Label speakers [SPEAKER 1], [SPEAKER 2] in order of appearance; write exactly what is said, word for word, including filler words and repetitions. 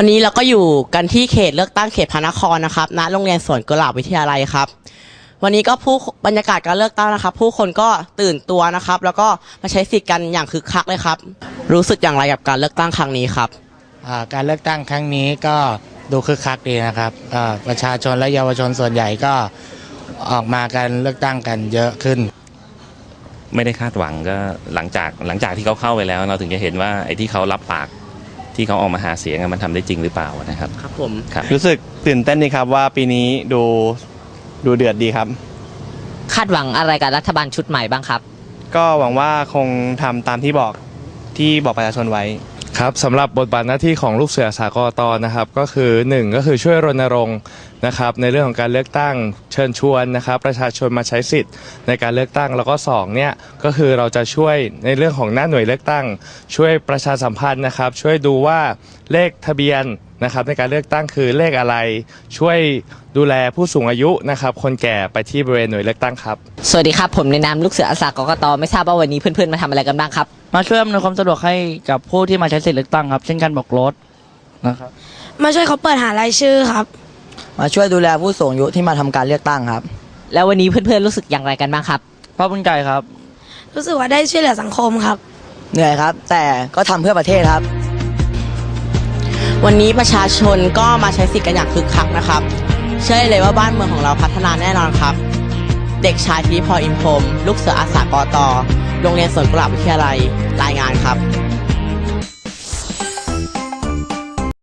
[SPEAKER 1] วันนี้เราก็อยู่กันที่เขตเลือกตั้งเขตพระนครนะครับณโรงเรียนสวนกุหลาบวิทยาลัยครับวันนี้ก็ผู้บรรยากาศการเลือกตั้งนะครับผู้คนก็ตื่นตัวนะครับแล้วก็มาใช้สิทธิ์กันอย่างคึกคักเลยครับรู้สึกอย่างไรกับการเลือกตั้งครั้งนี้ครับ
[SPEAKER 2] การเลือกตั้งครั้งนี้ก็ดูคึกคักดีนะครับประชาชนและเยาวชนส่วนใหญ่ก็ออกมากันเลือกตั้งกันเยอะขึ้น
[SPEAKER 3] ไม่ได้คาดหวังก็หลังจากหลังจากที่เขาเข้าไปแล้วเราถึงจะเห็นว่าไอ้ที่เขารับปากที่เขาออกมาหาเสียงมันทำได้จริงหรือเปล่านะครับ
[SPEAKER 1] ครับผม
[SPEAKER 4] รู้สึกตื่นเต้นดีครับว่าปีนี้ดูดูเดือดดีครับ
[SPEAKER 5] คาดหวังอะไรกับรัฐบาลชุดใหม่บ้างครับ
[SPEAKER 4] ก็หวังว่าคงทำตามที่บอกที่บอกประชาชนไว้
[SPEAKER 6] ครับสำหรับบทบาทหน้าที่ของลูกเสืออาสากตนะครับก็คือหนึ่งก็คือช่วยรณรงค์นะครับในเรื่องของการเลือกตั้งเชิญชวนนะครับประชาชนมาใช้สิทธิ์ในการเลือกตั้งแล้วก็สองเนี่ยก็คือเราจะช่วยในเรื่องของหน้าหน่วยเลือกตั้งช่วยประชาสัมพันธ์นะครับช่วยดูว่าเลขทะเบียนนะครับในการเลือกตั้งคือเลขอะไรช่วยดูแลผู้สูงอายุนะครับคนแก่ไปที่บริเวณหน่วยเลือกตั้งครับ
[SPEAKER 5] สวัสดีครับผมในนามลูกเสืออาสากตไม่ทราบว่าวันนี้เพื่อนๆมาทำอะไรกันบ้างครับ
[SPEAKER 7] มาช่วยอำนวยความสะดวกให้กับผู้ที่มาใช้สิทธิเลือกตั้งครับเช่นการบอกรถนะครับ
[SPEAKER 8] มาช่วยเขาเปิดหารายชื่อครับ
[SPEAKER 9] มาช่วยดูแลผู้สูงอายุที่มาทำการเลือกตั้งครับ
[SPEAKER 5] แล้ววันนี้เพื่อนๆรู้สึกอย่างไรกันบ้างครับ
[SPEAKER 7] ภาคภูมิใจครับ
[SPEAKER 8] รู้สึกว่าได้ช่วยเหลือสังคมครับ
[SPEAKER 9] เหนื่อยครับแต่ก็ทำเพื่อประเทศครับ
[SPEAKER 1] วันนี้ประชาชนก็มาใช้สิทธิ์กันอย่างคึกคักนะครับเชื่อเลยว่าบ้านเมืองของเราพัฒนาแน่นอนครับเด็กชายธีรพรอินพรหมลูกเสืออาสากตโรงเรียนสวนกุหลาบวิทยาลัยรายงานครับ